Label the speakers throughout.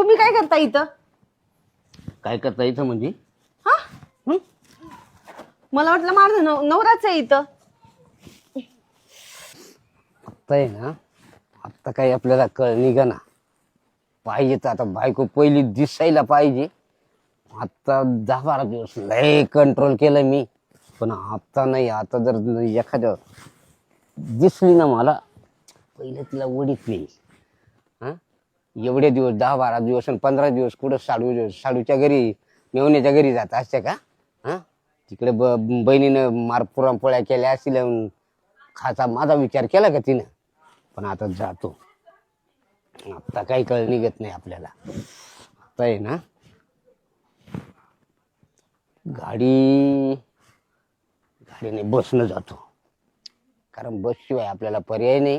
Speaker 1: तुम्ही काय करता इथं?
Speaker 2: काय करता इथं म्हणजे?
Speaker 1: हा मला वाटलं माझं नवराच आहे इथं.
Speaker 2: आत्ता आहे ना, आत्ता काही आपल्याला कळ निघा ना. पाहिजे तर आता बायको पहिली दिसायला पाहिजे. आता 10-12 दिवस लय कंट्रोल केलं मी, पण आता नाही. आता जर एखाद्या दिसली ना मला, पहिले तिला उडीत नाही. हा, एवढे दिवस 10-12 दिवस आणि 15 दिवस कुठं साडूच्या घरी, मेवण्याच्या घरी जात असते का? हा, तिकडे बहिणीनं पुरणपोळ्या केल्या असतील, खाचा माझा विचार केला का तिनं? पण आता जातो. आता काही कळ निघत नाही आपल्याला. आता आहे ना, गाडीने बसनं जातो, कारण बसशिवाय आपल्याला पर्याय नाही.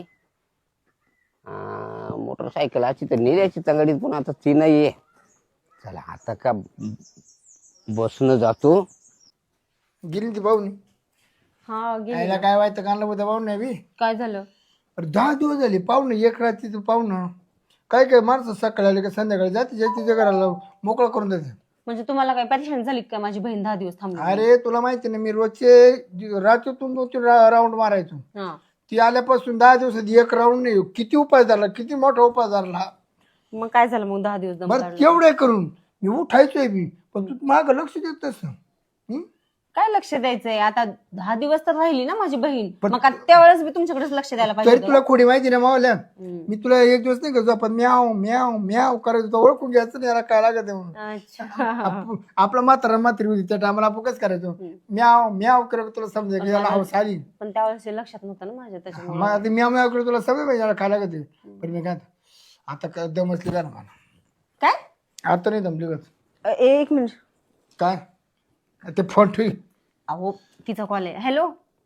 Speaker 2: मोटरसायकल अशी तर नेल्याची तंगडीत, पण आता ती नाही आहे. चला आता का बसनं जातो.
Speaker 3: गेली ती पाहुणे.
Speaker 1: हा गेली
Speaker 3: आईला
Speaker 1: ना.
Speaker 3: काय व्हायचं कानला होतं पाहुणे बी.
Speaker 1: काय झालं?
Speaker 3: अरे 10 दिवस झाले पाहुणे, एक रात्री तू पाहुणं. काय काय माणसं सकाळी आले का संध्याकाळी जाते तिच्या घराला मोकळं करून देते.
Speaker 1: म्हणजे तुम्हाला काय परेशान झाली का माझी बहीण 10 दिवस थांबली?
Speaker 3: अरे तुला माहिती ना, मी रोजचे रात्रीतून 2-3 राऊंड मारायचो.
Speaker 1: हा,
Speaker 3: ती आल्यापासून 10 दिवसात एक राऊंड नाही. किती उपाय झाला, किती मोठा उपाय झाला.
Speaker 1: मग काय झालं मग 10 दिवस दम
Speaker 3: बरं
Speaker 1: काढला?
Speaker 3: तेवढे करून मी उठायचोय बी, पण तू माग लक्ष देत तसं.
Speaker 1: काय लक्ष द्यायचंय? आता 10 दिवस तर राहिली ना माझी बहीण, मग आता त्यावेळेस मी तुमच्याकडेच लक्ष द्यायला पाहिजे
Speaker 3: तरी
Speaker 1: होतं.
Speaker 3: तुला खोडी माहिती ना मावल्या, मी तुला एक दिवस नाही का आपण म्याव म्याव म्याव करायचं, तो ओळखून घ्यायचं नाही याला काय लागत आहे म्हणून.
Speaker 1: अच्छा.
Speaker 3: आपला म्हातारी होती त्या टायमाला आपण कसं करायचो, म्याव म्याव करत तुला समजाय की याला हौस आली.
Speaker 1: पण त्यावेळेस हे लक्षात नव्हतं ना माझ्या, त्याच्यामुळे.
Speaker 3: मग आता म्याव म्याव करत तुला सवय पाहिजे याला काय लागत आहे. पण मी काय आता काय दम असली का ना मला,
Speaker 1: काय?
Speaker 3: आता नाही दमली का?
Speaker 1: एक मिनिट.
Speaker 3: काय ते फोन ठेवी.
Speaker 1: अहो तिचा कॉल आहे. हॅलो.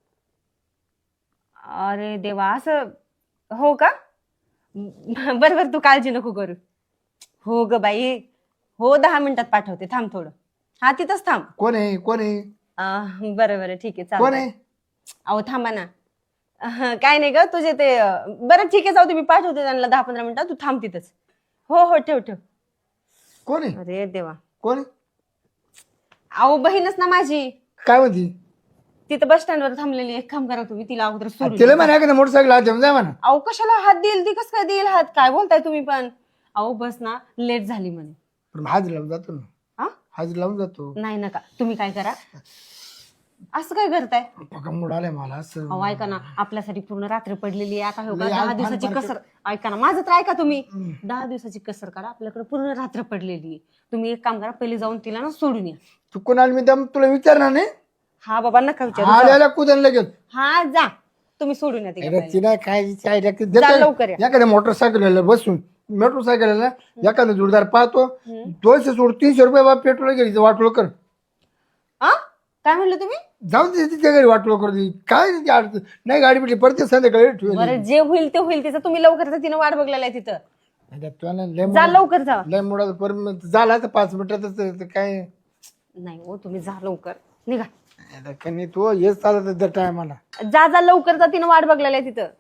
Speaker 1: अरे देवा, असं हो का? बरं बरं, तू काळजी नको करू. हो ग बाई, हो 10 मिनिटात पाठवते, थांब थोडं. हा तिथंच थांब.
Speaker 3: कोण आहे कोण आहे
Speaker 1: बरं बरं ठीक आहे,
Speaker 3: कोण
Speaker 1: चालेल.
Speaker 3: आहे?
Speaker 1: अहो थांबा ना. काय नाही ग तुझे ते बरं ठीक आहे, जाऊ दे, मी पाठवते त्यांना 10-15 मिनिटात, तू थांब तिथंच. हो हो, ठेव ठेव.
Speaker 3: कोण आहे
Speaker 1: अरे देवा.
Speaker 3: कोण आहे?
Speaker 1: अहो बहीणच ना माझी,
Speaker 3: काय म्हणती?
Speaker 1: तिथं बस स्टँडवर थांबलेली. एक काम करा तुम्ही, तिला अगोदर सोडून
Speaker 3: तिला
Speaker 1: द्या.
Speaker 3: म्हणा का मोटरसायकल हात जाय म्हणा.
Speaker 1: अहो कशाला हात देईल ती? कसं काय देईल हात? काय बोलताय तुम्ही पण? अहो बस ना लेट झाली म्हणे.
Speaker 3: पण हाजीर लावून जातो ना,
Speaker 1: हा,
Speaker 3: हाजीर लावून जातो.
Speaker 1: नाही नका, तुम्ही काय करा, असं काय करताय?
Speaker 3: पका मूड आलाय मला असं.
Speaker 1: अहो ऐका ना, आपल्यासाठी पूर्ण रात्र पडलेली आहे. आता हो का
Speaker 3: लय
Speaker 1: 10
Speaker 3: आज
Speaker 1: दिवसाची
Speaker 3: फार
Speaker 1: कसर. ऐका ना माझं तर ऐका तुम्ही. 10 दिवसाची कसर करा, आपल्याकडे पूर्ण रात्र पडलेली आहे. तुम्ही एक काम करा, पहिले जाऊन तिला ना सोडून या.
Speaker 3: तू कोणाला मी दम तुला विचारणार नाही.
Speaker 1: हा बाबा नका विचारू.
Speaker 3: आल्याला कुदन लगेच.
Speaker 1: हा जा, तुम्ही सोडून या तिला
Speaker 3: अरे
Speaker 1: पहिले.
Speaker 3: तिला काय
Speaker 1: जा लवकर या.
Speaker 3: एखाद्या मोटरसायकल बसून मोटरसायकल एखादा जोडदार पाहतो, 200 सोड 300 रुपये बाबा पेट्रोल घरी वाटोळ कर.
Speaker 1: आ काय म्हणलं तुम्ही?
Speaker 3: जाऊन दे तिच्या घरी वाटोळ कर. काय तिची अडचण नाही, गाडी भेटली परत संध्याकाळी ठेवली.
Speaker 1: बरं जे होईल ते होईल, तिचं तुम्ही लवकर जा, तिनं वाट बघलेला आहे तिथं. जा लवकर जा.
Speaker 3: लय मुळात परत झाला तर 5 मिनिटातच काय
Speaker 1: नाही हो, तुम्ही जा लवकर, निघा.
Speaker 3: कनी तू हेच चालत त्या टायमाला.
Speaker 1: जा जा लवकर जा, तिनं वाट बघलेला आहे तिथं.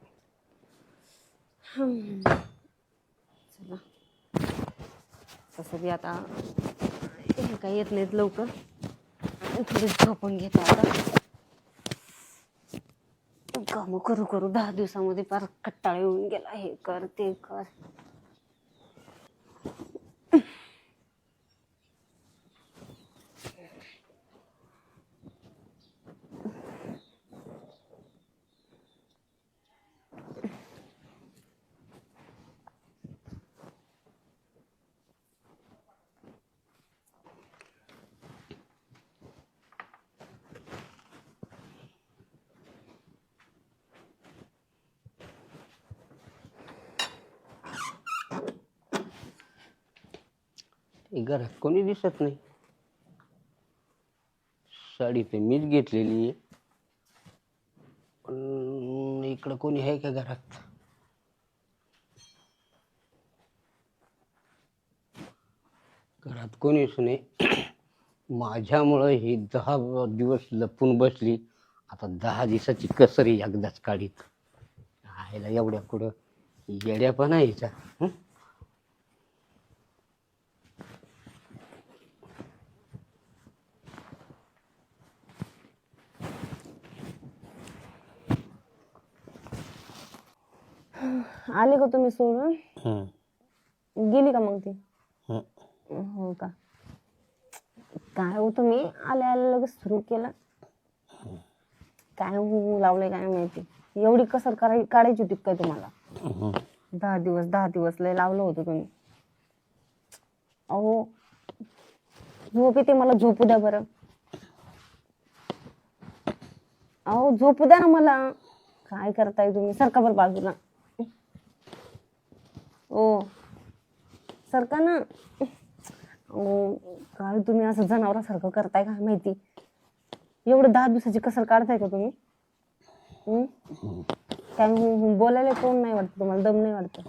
Speaker 1: चला, तसं बी आता हे काही येत नाहीत लवकर. थोडी झोपून घेते आता. काम करू करू 10 दिवसामध्ये फार कट्टाळा येऊन गेला. हे कर ते कर.
Speaker 2: घरात कोणी दिसत नाही. साडी तर मीच घेतलेली आहे, पण इकडं कोणी आहे का घरात? घरात कोणीच नाही. माझ्यामुळं ही 10 दिवस लपून बसली. आता 10 दिवसाची कसरी एकदाच काढीत. आयला एवढ्या कुठं येड्या पण यायचा.
Speaker 1: आले का तुम्ही सोडून?
Speaker 2: हम्म.
Speaker 1: गेली का मग ती?
Speaker 2: हम्म.
Speaker 1: हो का? काय हो तुम्ही आले आले लगेच सुरू केलं. काय लावलंय काय माहिती. एवढी कसर काढायची होती काय तुम्हाला?
Speaker 2: हम्म.
Speaker 1: 10 दिवस लय लावलं होतं तुम्ही. अहो झोप येते मला, झोपू द्या बरं. अहो झोपू द्या ना मला. काय करताय तुम्ही? सरका बरं बाजूला. ओ सरका ना. अहो काय तुम्ही असं जनावरासारखं करताय काय माहिती. एवढं 10 दिवसाची कसर काढताय का तुम्ही? काय बोलायला कोण नाही वाटत तुम्हाला? दम नाही वाटत?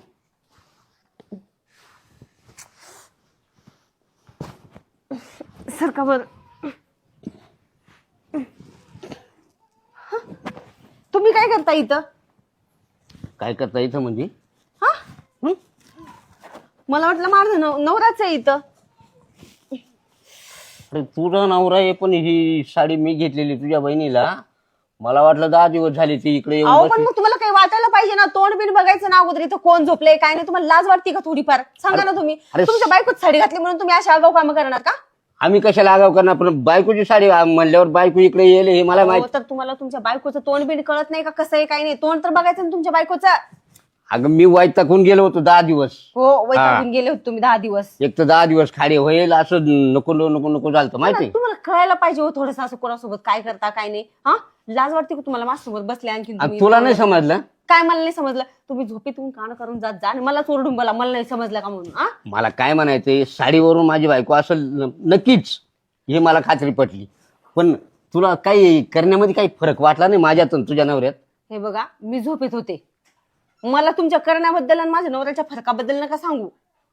Speaker 1: सरका बर. तुम्ही काय करता इथं?
Speaker 2: काय करता इथं म्हणजे?
Speaker 1: हा मला वाटलं माझं नवराच आहे इथं.
Speaker 2: अरे तुझा नवरा आहे, पण ही साडी मी घेतलेली तुझ्या बहिणीला. मला वाटलं 10 दिवस झाले ती इकडे येऊन
Speaker 1: अहो पण
Speaker 2: बसली.
Speaker 1: मग तुम्हाला काही वाटायला पाहिजे ना. तोंड बिन बघायचं ना अगोदर. इथं कोण झोपलंय काय नाही. तुम्हाला लाज वाटते का थोडीफार? सांगा ना तुम्ही.
Speaker 2: अरे
Speaker 1: तुमच्या बायकोच साडी घातली म्हणून तुम्ही अशा आगाऊ कामं करणार का?
Speaker 2: आम्ही कशाला आगाव करणार, पण बायकोची साडी म्हणल्यावर बायको इकडे येईल हे मला माहिती.
Speaker 1: तर तुम्हाला तुमच्या बायकोचं तोंड बिन कळत नाही का कसं आहे काही नाही? तोंड तर बघायचं ना तुमच्या बायकोचं.
Speaker 2: अगं मी वैतागून गेलो होतो 10 दिवस.
Speaker 1: हो वैतागून गेले होते तुम्ही 10 दिवस.
Speaker 2: एक तर 10 दिवस खाडे होईल असं नको नको नको झालं माहिती.
Speaker 1: तुम्हाला कळायला पाहिजे हो थोडंसं असं कोणासोबत काय करता काय नाही. हा लाज वाटते का तुम्हाला माझ्यासोबत बसले आणखी?
Speaker 2: तुला नाही समजलं?
Speaker 1: काय मला नाही समजलं? तुम्ही झोपेतून कान करून जात जा आणि मला चोरडून बोला मला नाही समजलं का म्हणून. हा
Speaker 2: मला काय म्हणायचंय, साडीवरून माझी बायको असं नक्कीच हे मला खात्री पटली. पण तुला काही करण्यामध्ये काही फरक वाटला नाही माझ्यातून तुझ्या नवऱ्यात?
Speaker 1: हे बघा मी झोपेत होते. मला तुमच्या करण्याबद्दल आणि माझ्या नवऱ्याच्या फरकाबद्दल नका सांगू.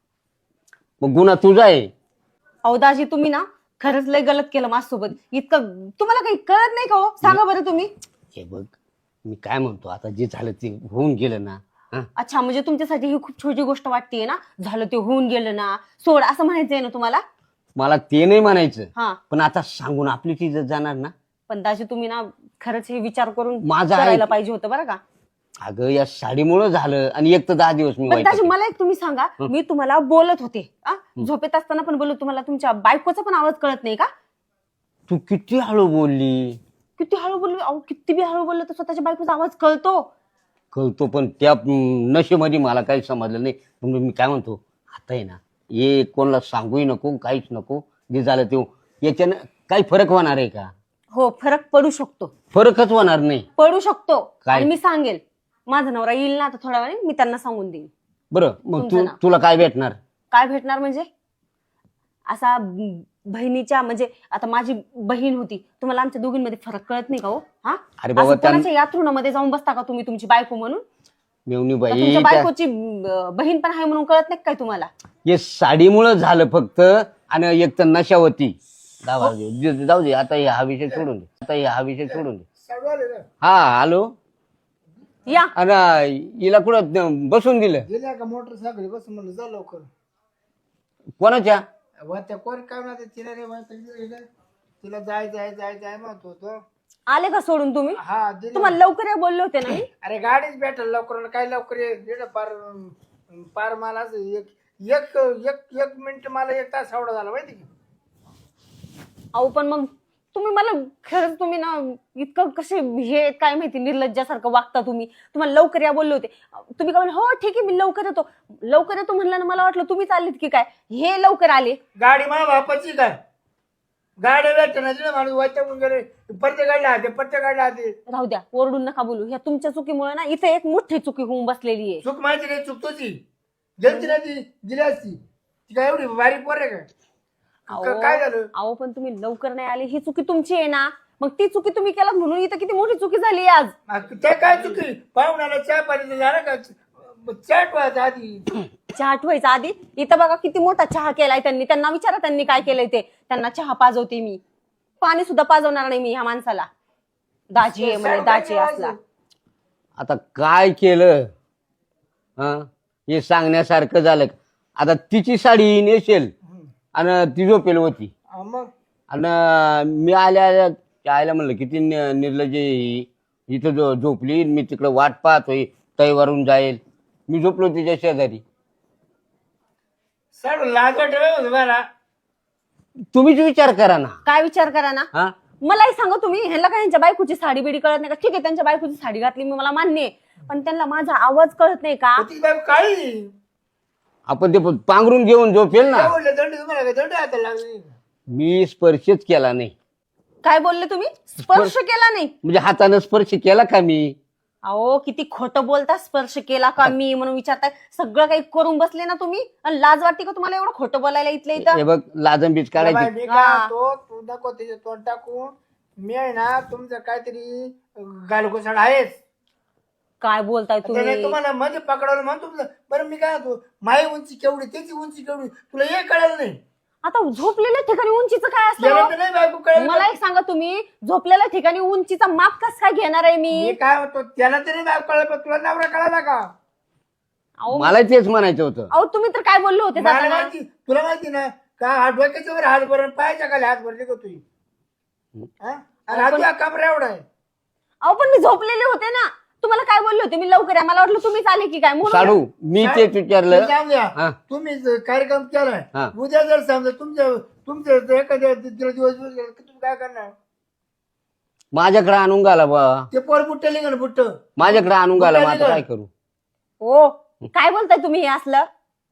Speaker 2: मग गुन्हा तुझा आहे.
Speaker 1: अहो दाजी तुम्ही ना खरंच लय गलत केलं माझ्यासोबत. इतकं तुम्हाला काही कळत नाही का हो? सांगा बरं तुम्ही.
Speaker 2: हे बघ मी काय म्हणतो, आता जे झालं ते होऊन गेलं ना. हा?
Speaker 1: अच्छा म्हणजे तुमच्यासाठी ही खूप छोटी गोष्ट वाटतेय ना? झालं ते होऊन गेलं ना सोड असं म्हणायचंय ना तुम्हाला?
Speaker 2: मला ते नाही म्हणायचं,
Speaker 1: हा
Speaker 2: पण आता सांगून आपली ती इज्जत जाणार ना.
Speaker 1: पण दाजी तुम्ही ना खरंच हे विचार करून
Speaker 2: माझं आहे.
Speaker 1: करायला पाहिजे होतं बरं का.
Speaker 2: अगं या साडीमुळे झालं आणि एक तर 10 दिवस मी
Speaker 1: पण दाजी
Speaker 2: वैतागलो.
Speaker 1: मला एक तुम्ही सांगा. मी तुम्हाला बोलत होते झोपेत असताना पण बोलत. तुम्हाला तुमच्या बायकोचा पण आवाज कळत नाही का?
Speaker 2: तू किती हळू बोलली.
Speaker 1: किती हळू बोललो. अहो किती बी हळू बोललो तर स्वतःच्या बायकोचा आवाज कळतो.
Speaker 2: कळतो, पण त्या नशेमध्ये मला काही समजलं नाही. म्हणून मी काय म्हणतो, आता आहे ना हे कोणाला सांगूही नको काहीच नको. जे झालं ते याच्यानं काही फरक होणार आहे का?
Speaker 1: हो फरक पडू शकतो.
Speaker 2: फरकच होणार नाही.
Speaker 1: पडू शकतो.
Speaker 2: काय?
Speaker 1: आणि मी सांगेल माझा नवरा येईल ना आता थोड्या वेळाने मी त्यांना सांगून देईन.
Speaker 2: बरं मग
Speaker 1: तुमचं नाव.
Speaker 2: तुला काय भेटणार?
Speaker 1: काय भेटणार म्हणजे? असा बहिणीच्या म्हणजे आता माझी बहीण होती. तुम्हाला आमच्या दोघींमध्ये फरक कळत नाही का हो? हा
Speaker 2: अरे बाबा,
Speaker 1: असं कोणाच्या यात्रुणामध्ये जाऊन बसता का तुम्ही तुमची बायको म्हणून?
Speaker 2: मेवणी
Speaker 1: का
Speaker 2: बाई
Speaker 1: तुमच्या बायकोची बहीण पण आहे म्हणून कळत नाही काय तुम्हाला?
Speaker 2: हे साडीमुळं झालं फक्त. आणि एक तर नशावती. जाऊ दे आता हा विषय सोडून दे. हा विषय सोडून दे.
Speaker 3: साडूवाले ना
Speaker 2: हा हॅलो.
Speaker 1: या
Speaker 2: आणि हिला कुठं बसून दिलं?
Speaker 3: गेल्या का मोटरसायकल बस म्हणलं जा लवकर.
Speaker 2: कोणाच्या?
Speaker 3: त्या कोण काय म्हणते तिला रे तिला जाय जाय जाय जाय म्हणत होतो.
Speaker 1: आले का सोडून तुम्ही?
Speaker 3: हा दिली.
Speaker 1: तुम्हाला लवकर या बोलले होते ना मी.
Speaker 3: अरे गाडीच भेटल लवकर काय लवकर ये पार पार मला असं एक एक एक एक मिनिट मला 1 तास एवढा झाला माहिती की.
Speaker 1: अहो पण मग तुम्ही मला खरंच तुम्ही ना इतकं कसे हे काय माहिती निर्लज्जासारखं वागता तुम्ही. तुम्हाला लवकर या बोलले होते. तुम्ही काय म्हणले हो ठीक आहे मी लवकर येतो. लवकर येतो म्हणलं ना मला वाटलं तुम्ही चाललीत की काय. हे लवकर आले.
Speaker 3: गाडी माझ्या बापाची काय गाडी भेटण्याची ना माणूस वाईट गेले. पत्ते गाडला हाते पत्ते गाडला हाते.
Speaker 1: राहू द्या ओरडून नका बोलू. ह्या तुमच्या चुकीमुळे ना इथे एक मोठी चुकी होऊन बसलेली आहे.
Speaker 3: चूक माहिती नाही चूक तुझी गेलती ना ती दिली असती. ती काय एवढी बारीक पोर आहे का? काय झालं?
Speaker 1: अहो पण तुम्ही लवकर नाही आले ही चुकी तुमची आहे ना. मग ती चुकी तुम्ही केलात म्हणून इथं किती मोठी चुकी झाली आज.
Speaker 3: त्या काय चुकी पाहुण्याला चहा पाणी झालं का? चहा ठेवायचा आधी.
Speaker 1: चहा ठेवायचा आधी इथं बघा किती मोठा चहा केलाय त्यांनी. त्यांना विचारा त्यांनी काय केलंय ते. त्यांना चहा पाजवते मी. पाणी सुद्धा पाजवणार नाही मी ह्या माणसाला. दाजी आहे म्हणे दाजी असला.
Speaker 2: आता काय केलं? हा हे सांगण्यासारखं झालं. आता तिची साडी नेसेल आणि ती झोपेल होती.
Speaker 3: मग
Speaker 2: आणि मी आल्या आयला म्हणलं किती निर्लज्ज आहे ही. इथं झोपली मी तिकडं वाट पाहतोय तैवारून जाईल. मी झोपलो तिच्या शेजारी.
Speaker 3: सर लाज वाटत तुम्हाला.
Speaker 2: तुम्हीच विचार करा ना.
Speaker 1: काय विचार करा ना.
Speaker 2: हा
Speaker 1: मलाही सांगा तुम्ही, ह्याला काय यांच्या बायकोची साडी बिडी कळत नाही का? ठीक आहे त्यांच्या बायकोची साडी घातली मी, मला मान्य आहे, पण त्यांना माझा आवाज कळत नाही का?
Speaker 3: ती बायको काळी.
Speaker 2: आपण ते पांघरून घेऊन झोपेल ना.
Speaker 3: काय बोलले दंड तुम्हाला? काय दंड हाताला लागली?
Speaker 2: मी स्पर्शच केला नाही.
Speaker 1: काय बोलले तुम्ही? स्पर्श केला नाही
Speaker 2: म्हणजे हाताने स्पर्श केला का मी?
Speaker 1: अहो किती खोटं बोलता. स्पर्श केला का मी म्हणून विचारताय. सगळं काही करून बसले ना तुम्ही, आणि लाज वाटते का तुम्हाला एवढं खोटं बोलायला इथल्या
Speaker 2: हे
Speaker 1: इथं?
Speaker 2: बघ लाजंबीज
Speaker 3: बाई,
Speaker 2: काढायची.
Speaker 3: मी काय म्हणतो, तू नको तिचे तोंड टाकून. मी आहे ना तुमचं काहीतरी गालगोसाड आहेच.
Speaker 1: काय बोलताय
Speaker 3: त्याने
Speaker 1: तुम्ही?
Speaker 3: तुम्हाला मध्ये पकडवलं म्हणून तुमचं. बरं मी काय म्हणतो, माझी उंची केवढी त्याची उंची केवढी तुला हे कळलं नाही.
Speaker 1: आता झोपलेल्या ठिकाणी उंचीचं काय
Speaker 3: याला
Speaker 1: असतं?
Speaker 3: तर नाही बायको कळलं.
Speaker 1: मला एक सांगा, तुम्ही झोपलेल्या ठिकाणी उंचीचा माप कसं काय घेणार आहे
Speaker 3: मी
Speaker 1: मी?
Speaker 3: काय म्हणतो, त्याला तरी बायको कळलं, पण तुला नवरा कळाला का?
Speaker 1: अहो
Speaker 2: मला तेच म्हणायचं होतं.
Speaker 1: अहो, तुम्ही तर काय बोलले होते
Speaker 3: मला
Speaker 1: जाताना?
Speaker 3: माहिती, तुला माहिती ना का हात डोक्याच्या वर हात भरून पायाच्या खाली हात भरले का तुझी? आणि हा तुझा कमरा एवढा आहे.
Speaker 1: अहो पण मी झोपलेले होते ना. तुम्हाला काय बोलले होते? मी लवकर या. मला वाटलं तुम्हीच आले की काय म्हणून.
Speaker 2: साडू मी तेच विचारलं.
Speaker 3: मी जाऊन द्या.
Speaker 2: हा.
Speaker 3: तुम्ही कार्यक्रम केलाय,
Speaker 2: हा.
Speaker 3: उद्या जर समजा तुमच्या एखाद्या तिला दिवस गेला, तुम्ही काय करणार?
Speaker 2: माझ्याकडे आणून घाला बा.
Speaker 3: ते पोर बुट्ट लिंगण बुट्ट.
Speaker 2: माझ्याकडे आणून घाला. मग आता काय करू?
Speaker 1: हो काय बोलताय तुम्ही हे असलं?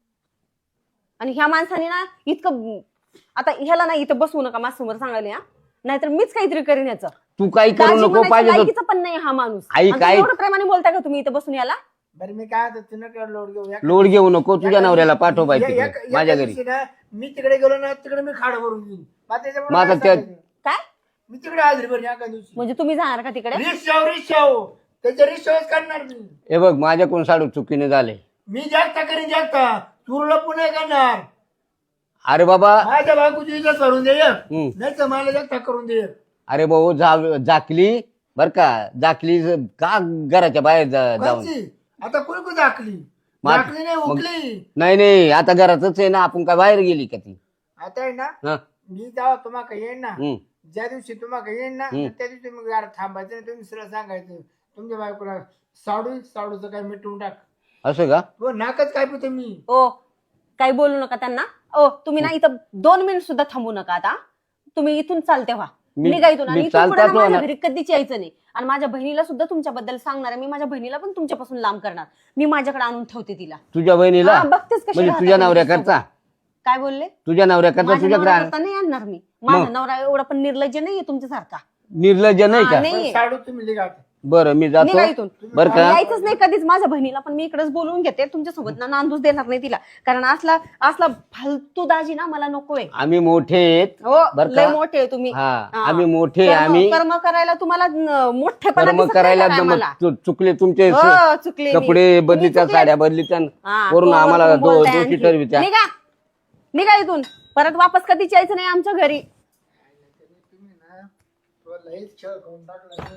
Speaker 1: आणि ह्या माणसाने ना इतकं, आता ह्याला ना इथं बसवू नका माझ्यासमोर सांगायला, हा नाहीतर मीच काहीतरी करीन याचं.
Speaker 2: तू काही करू
Speaker 1: दाजी
Speaker 2: नको
Speaker 1: म्हणायच्या
Speaker 2: पाहिजे तर.
Speaker 1: लायकीचा पण नाही हा माणूस.
Speaker 2: आई,
Speaker 1: आणि
Speaker 2: काय-
Speaker 1: तुम्ही एवढं प्रेमाने बोलताय का तुम्ही इथं बसून याला?
Speaker 3: बरं मी काय म्हणतो, तिनं काय लोड घेऊ
Speaker 2: लोड घेऊ नको. तुझ्या नवऱ्याला पाठव बाई
Speaker 3: या-
Speaker 2: तिकडे
Speaker 3: या-
Speaker 2: माझ्या
Speaker 3: या
Speaker 2: घरी.
Speaker 3: दिवशी ना मी तिकडे गेलो ना, तिकडे मी खाड भरून घेईन. मग त्याच्यामुळे
Speaker 2: मग आता
Speaker 3: काय
Speaker 2: त्या-
Speaker 3: सांगायचं?
Speaker 1: काय
Speaker 3: मी तिकडे हजरी भरली एका दिवशी.
Speaker 1: म्हणजे तुम्ही जाणार का तिकडे?
Speaker 3: रिक्षाव त्याच्या रिक्षावच करणार मी.
Speaker 2: हे बघ माझ्याकडून साडू चुकीने झाले.
Speaker 3: मी जास्त करीन जास्त. तुरला पुन्हा करणार.
Speaker 2: अरे बाबा.
Speaker 3: माझ्या बायकोची इज्जत करून दे,
Speaker 2: हम्म.
Speaker 3: नाही तर मला जास्त करून दे.
Speaker 2: अरे भाऊ जाकली बर का. जाकली का घराच्या बाहेर जाऊन.
Speaker 3: कोणची? आता कोणी कोणी दाखली
Speaker 2: मा-
Speaker 3: दाखली नाही
Speaker 2: मग-
Speaker 3: उकली.
Speaker 2: नाही आता घरातच आहे ना. आपण काय बाहेर गेली का ती?
Speaker 3: आता आहे ना,
Speaker 2: हा.
Speaker 3: मी जेव्हा तुम्हाला येईन ना,
Speaker 2: हम्म.
Speaker 3: ज्या दिवशी तुम्हाला येईन ना,
Speaker 2: हम्म.
Speaker 3: त्या दिवशी मग जरा थांबायचं नाही. तुम्ही सरळ सांगायचं तुमच्या बायकोला, साडूचं काय मिटवून टाक.
Speaker 2: असं का?
Speaker 3: हो नाकच काय पितो मी.
Speaker 1: ओ काही बोलू नका त्यांना. ओ तुम्ही ना इथं 2 मिनिट सुद्धा थांबू नका. आता तुम्ही इथून चालते व्हा.
Speaker 2: मी-
Speaker 1: निघा इथून. आणि
Speaker 2: मी
Speaker 1: इथून पुढे
Speaker 2: चालताच
Speaker 1: ना माझ्या
Speaker 2: होणार.
Speaker 1: घरी कधीच यायचं नाही. आणि माझ्या बहिणीला सुद्धा तुमच्याबद्दल सांगणार आहे. मी माझ्या बहिणीला पण तुमच्यापासून लांब करणार. मी माझ्याकडे आणून ठेवते तिला.
Speaker 2: तुझ्या बहिणीला
Speaker 1: हा, बघतेच कशी
Speaker 2: म्हणजे
Speaker 1: राहतात
Speaker 2: तुझ्या
Speaker 1: तुम्ही
Speaker 2: नवऱ्याकरता.
Speaker 1: काय बोलले?
Speaker 2: तुझ्या नवऱ्याकरता
Speaker 1: माझ्या
Speaker 2: तुझ्याकडे
Speaker 1: नवऱ्याकरता नाही आणणार मी. माझा नवरा एवढा पण निर्लज्ज नाहीये तुमच्यासारखा.
Speaker 2: निर्लज्ज नाही
Speaker 1: हा,
Speaker 2: का?
Speaker 1: नाहीये.
Speaker 3: साडू तुम्ही लिगा.
Speaker 2: बरं मी
Speaker 1: निघा
Speaker 2: जातो
Speaker 1: इथून.
Speaker 2: बर का.
Speaker 1: यायचंच नाही कधीच. माझ्या बहिणीला पण मी इकडेच बोलवून घेते. तुमच्यासोबत ना नांदूच देणार नाही तिला. कारण असला फालतू दाजी ना मला नकोय.
Speaker 2: आम्ही मोठे आहेत.
Speaker 1: हो
Speaker 2: बरं
Speaker 1: लय
Speaker 2: का?
Speaker 1: मोठे आहे तुम्ही.
Speaker 2: हा
Speaker 1: हा.
Speaker 2: आम्ही मोठे आम्ही
Speaker 1: कर्म करायला तुम्हाला मोठेपणा
Speaker 2: कर्म
Speaker 1: दिसत नाही
Speaker 2: करायला
Speaker 1: का मला?
Speaker 2: चुकले तुमचे
Speaker 1: हो, चुकले मी.
Speaker 2: कपडे
Speaker 1: तुम्ही
Speaker 2: बदलीच्या
Speaker 1: चुकले.
Speaker 2: साड्या बदलीच्या
Speaker 1: हा,
Speaker 2: वरून
Speaker 1: कोण
Speaker 2: आम्हाला
Speaker 1: बोलताय
Speaker 2: दोषी
Speaker 1: आणखी?
Speaker 2: ठरवित्या.
Speaker 1: निघा इथून. परत वापस कधीच यायचं नाही आमच्या घरी.
Speaker 3: तुम्ही ना तुला लईच खेळ करून टाकला.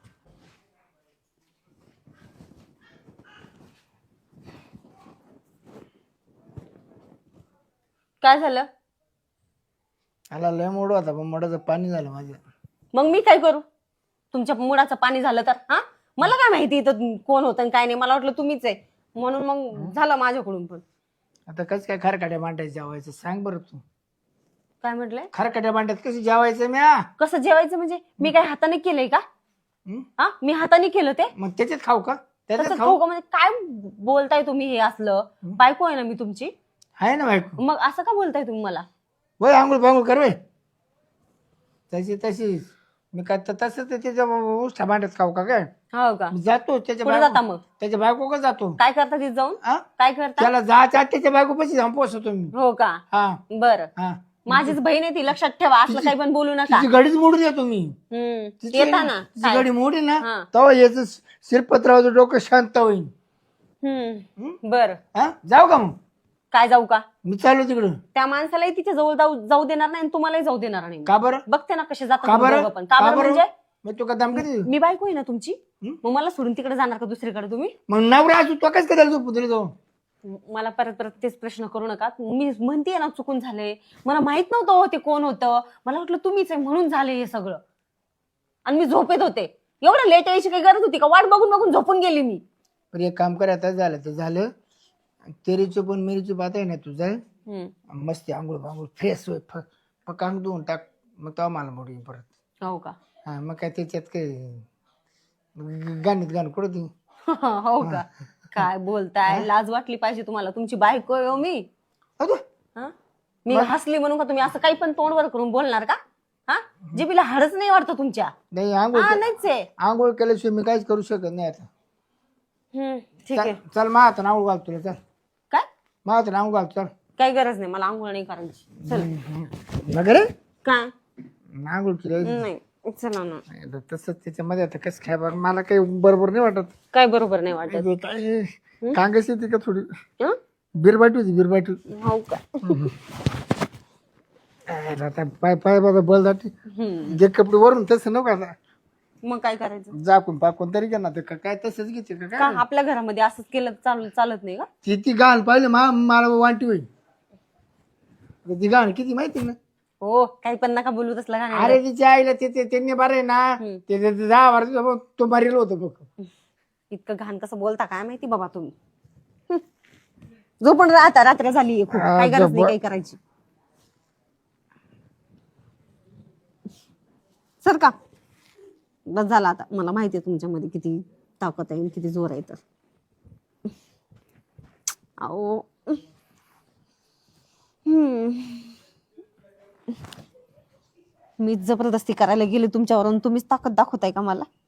Speaker 1: काय झालं?
Speaker 3: आला लय मोड होता, पण मोडाचं पाणी झालं माझ्या.
Speaker 1: मग मी काय करू? तुमच्या मुडाचं पाणी झालं तर? हा मला काय माहिती इथं कोण होतं आणि काय नाही. मला वाटलं तुम्हीच आहे म्हणून मग झालं माझ्याकडून पण.
Speaker 3: आता कसं काय खारकाट्या मांडायचं जेवायचं सांग बरं तू.
Speaker 1: काय म्हटलंय?
Speaker 3: खारकाट्या मांड्यात कसं जेवायचं म्या?
Speaker 1: कसं जेवायचं म्हणजे? मी काय हाताने केलंय का?
Speaker 3: हं?
Speaker 1: हा मी हाताने केलं ते?
Speaker 3: मग त्याच्यात खाऊ का? त्याच्यात
Speaker 1: तसं
Speaker 3: खाऊ
Speaker 1: खाऊ का? म्हणजे काय बोलताय तुम्ही हे असलं? बायको आहे ना मी तुमची.
Speaker 3: आहे ना बायको.
Speaker 1: मग असं का बोलताय तुम्ही मला?
Speaker 3: वय आंघोळ पांघोळ कर वे. तशीच मी काय तसं तर त्याच्या उष्टा भांड्यात खाऊ का काय?
Speaker 1: हो का?
Speaker 3: मी जातो त्याच्या
Speaker 1: कुठे जाता मग?
Speaker 3: त्याच्या बायको का जातो.
Speaker 1: काय करता तिथे जाऊन?
Speaker 3: हा?
Speaker 1: काय करता?
Speaker 3: त्याला जायच्या आत त्याच्या बायको पशी जाऊन पोचतो मी.
Speaker 1: हो का?
Speaker 3: हा
Speaker 1: बरं.
Speaker 3: हा.
Speaker 1: माझीच बहीण आहे ती. लक्षात ठेवा. असलं काही पण बोलू नका.
Speaker 3: तिची गाडीच मोडून येतो मी.
Speaker 1: येता ना.
Speaker 3: तिची गाडी मोडी ना
Speaker 1: हा.
Speaker 3: तेव्हा याच शिरपतरावचं डोकं शांत होईल.
Speaker 1: बर.
Speaker 3: हा जाऊ का मग?
Speaker 1: काय जाऊ का?
Speaker 3: मी चाललो तिकडं.
Speaker 1: त्या माणसालाही तिच्या जवळ जाऊ देणार नाही आणि तुम्हालाही जाऊ देणार नाही.
Speaker 3: का बरं?
Speaker 1: बघते ना कसे
Speaker 3: का
Speaker 1: जातात
Speaker 3: बरं?
Speaker 1: दोघं पण. का बरं म्हणजे?
Speaker 3: मग तू का दम कधी?
Speaker 1: मी बायको आहे ना तुमची. मग मला सोडून तिकडे जाणार का दुसरीकडे तुम्ही?
Speaker 3: मग नवरा असू तो कस करायला झोपू दिली तो?
Speaker 1: मला परत तेच प्रश्न करू नका. मी म्हणतेय ना चुकून झाले. मला माहित नव्हतं हो ते कोण होतं. मला वाटलं तुम्हीच आहे म्हणून झाले हे सगळं. आणि मी झोपेत होते. एवढं लेट यायची काही गरज होती का? वाट बघून बघून झोपून गेली मी.
Speaker 3: पण एक काम कर, आता झालं तर झालं. तेरीची पण मेरीची बात आहे ना, तू जाय
Speaker 1: हम्म.
Speaker 3: मस्त आंघोळ बांघोळ फ्रेश होय, मग काम धुवून टाक, मग तेव्हा मला मोडी परत.
Speaker 1: हो का?
Speaker 3: हा मग काय त्याच्यात काय गाणीत गाणं कुठं ती.
Speaker 1: हो का? काय बोलताय, लाज वाटली पाहिजे तुम्हाला, तुमची बायको आहे हो मी.
Speaker 3: अगं,
Speaker 1: हा? मी हसली म्हणून का तुम्ही असं काही पण तोंडवर करून बोलणार का? हा, जिबीला हाडच नाही वाटतं तुमच्या?
Speaker 3: नाही आंघोळ
Speaker 1: हा, नाहीच आहे.
Speaker 3: आंघोळ केल्याशिवाय मी काहीच करू शकत नाही आता.
Speaker 1: ठीक आहे.
Speaker 3: चल मग आता आंघोळ घाल तुला, चल
Speaker 1: काय?
Speaker 3: मग आता आंघोळ घाल, चल.
Speaker 1: काही गरज नाही, मला आंघोळ नाही करायची. चल.
Speaker 3: नगर
Speaker 1: काय?
Speaker 3: आंघोळ केली
Speaker 1: नाही, चला ना.
Speaker 3: तसंच त्याच्यामध्ये आता कसं काय बघ, मला काही बरोबर नाही वाटत.
Speaker 1: काय बरोबर नाही वाटत?
Speaker 3: काय कांगस येते का थोडी,
Speaker 1: हं?
Speaker 3: बिरबाटी होती बिरबाटी.
Speaker 1: हो का?
Speaker 3: आता पाय पाय बघा बलदाटी, जे कपडे वरून तसं नको आता,
Speaker 1: मग काय करायचं?
Speaker 3: जाकून पाकून तरी का ना, ते काय तसंच घेते का
Speaker 1: का
Speaker 3: काय.
Speaker 1: आपल्या घरामध्ये असंच केलं चालत नाही का?
Speaker 3: ती गाण पाहिजे मला वाटी होईल. ती गाण किती माहिती ना.
Speaker 1: हो, काही पण नका बोलू तसलं का नाही.
Speaker 3: अरे तिच्या आईला त्यांनी बरे ना, ते 10 वर्ष तो मरेल होतो बघ.
Speaker 1: इतकं घाण कसं बोलता काय माहिती बाबा तुम्ही. जो पण राहता, रात्र झाली खूप, काही गरज नाही काही करायची. सर का बस झाला आता, मला माहिती आहे तुमच्यामध्ये किती ताकद आहे, किती जोर आहे. तर अहो, मी जबरदस्ती करायला गेले तुमच्यावर, तुम्हीच ताकद दाखवताय का मला?